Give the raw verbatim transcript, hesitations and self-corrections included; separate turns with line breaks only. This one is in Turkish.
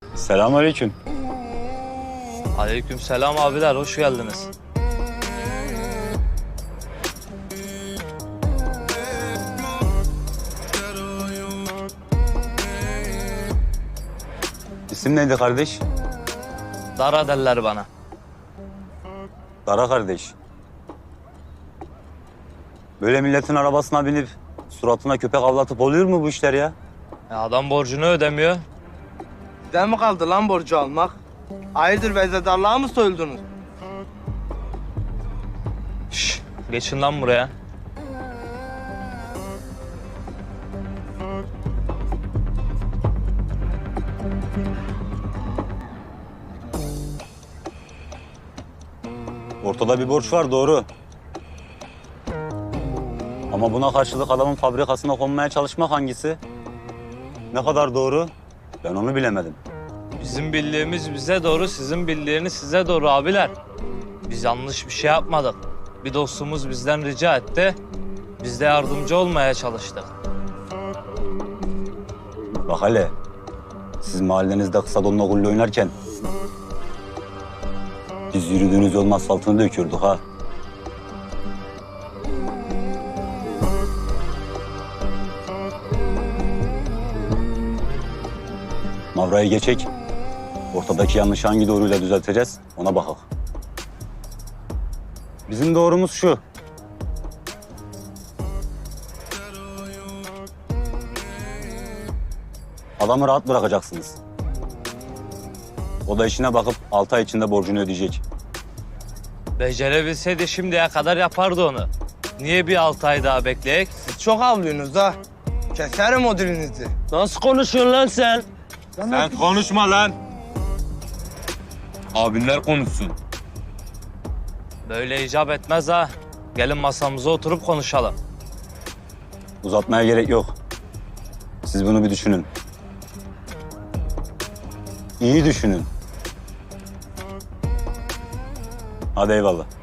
Selamünaleyküm.
Aleykümselam abiler, hoş geldiniz.
İsim neydi kardeş?
Dara derler bana.
Dara kardeş. Böyle milletin arabasına binip suratına köpek avlatıp oluyor mu bu işler ya?
Ya adam borcunu ödemiyor.
Size mi kaldı lan borcu almak? Hayırdır vezedarlığa mı soyuldunuz?
Şş, geçin lan buraya.
Ortada bir borç var, doğru. Ama buna karşılık adamın fabrikasına konmaya çalışmak hangisi? Ne kadar doğru? Ben onu bilemedim.
Bizim bildiğimiz bize doğru, sizin bildiğiniz size doğru abiler. Biz yanlış bir şey yapmadık. Bir dostumuz bizden rica etti. Biz de yardımcı olmaya çalıştık.
Bak hele, siz mahallenizde kısa donla gulle oynarken biz yürüdüğünüz yolun asfaltını döküyorduk ha. Mavrayı geçek. Ortadaki yanlışı hangi doğruyla düzelteceğiz ona bakak. Bizim doğrumuz şu. Adamı rahat bırakacaksınız. O da işine bakıp altı ay içinde borcunu ödeyecek.
Becerebilseydi şimdiye kadar yapardı onu. Niye bir altı ay daha bekleyek?
Siz çok avlıyorsunuz ha. Keserim o dilinizi.
Nasıl konuşuyorsun lan sen?
Sen konuşma lan. Abinler konuşsun.
Böyle icap etmez ha. Gelin masamıza oturup konuşalım.
Uzatmaya gerek yok. Siz bunu bir düşünün. İyi düşünün. Hadi eyvallah.